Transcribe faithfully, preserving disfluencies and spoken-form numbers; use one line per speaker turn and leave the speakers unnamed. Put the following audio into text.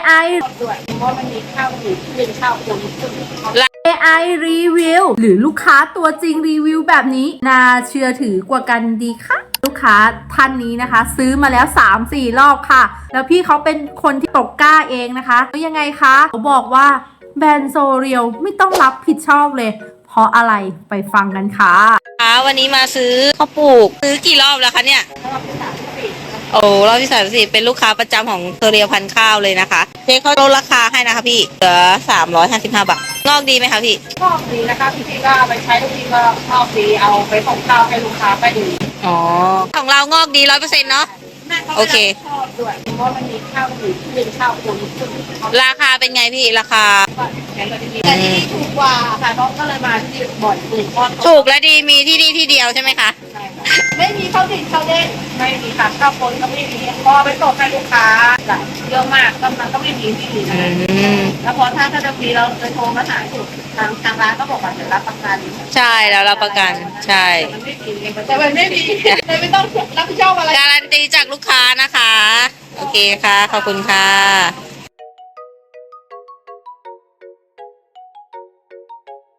ไอ
ด้วยเพราะมันมีข้าวหมูที่เป็นข้าวคนซึ่ง
เอ ไอ รีวิวหรือลูกค้าตัวจริงรีวิวแบบนี้น่าเชื่อถือกว่ากันดีค่ะลูกค้าท่านนี้นะคะ ซื้อมาแล้ว สามสี่ รอบค่ะแล้วพี่เขาเป็นคนที่ตกกล้าเองนะคะแล้วยังไงคะเขาบอกว่าแบรนด์โซเรียลไม่ต้องรับผิดชอบเลยเพราะอะไรไปฟังกันค่ะ
ค่ะวันนี้มาซื้อข้าวปลูกซื้อกี่รอบแล้วคะเนี่ยโอ้รอบที่สามสิบเป็นลูกค้าประจำของเทเรียพันข้าวเลยนะคะเจ๊เขาลดราคาให้นะคะพี่เหลือสามร้อยห้าสิบห้าบาทงอกดีไหมคะพี่
ชอบดีนะคะพี่ก็เอาไปใช้ทุกทีก็ชอบดีเอาไปส่งข้าวให้ลูกค้าไปดู
อ๋อของเรางอกดีร้อยเปอร์เซ็นต์เนาะโอเค
ชอบด้วยเพราะมันมีข้าวหมูที่เป็นข้าวคนซึ่ง
ราคาเป็นไงพี่ราคา
แต่ที่นี่ถูกกว่าค่ะน้องก็เลยมาที่บ่อยถูก
ถูกและดีมีที่นี่ที่เดียวใช่ไหมคะ
ไม่มีข้าวติดข้าวเด้งไม่มีค่ะข้าวคนก็ไม่มีพอไปส่งให้ลูกค้าเยอะมากก็มันก็ไม่มีที่อื่นนะแล้วพอถ้าถ้าจะมีเราจะโทรมาหาถูกทางทางร้านก็บอกว่าจะรับประกัน
ใช่แล้วรับประกันใช่
แต่มันไม่มีเลยไม่ต้องรับผิดชอบอะไร
การันตีจากลูกค้านะคะโอเคค่ะขอบคุณค่ะ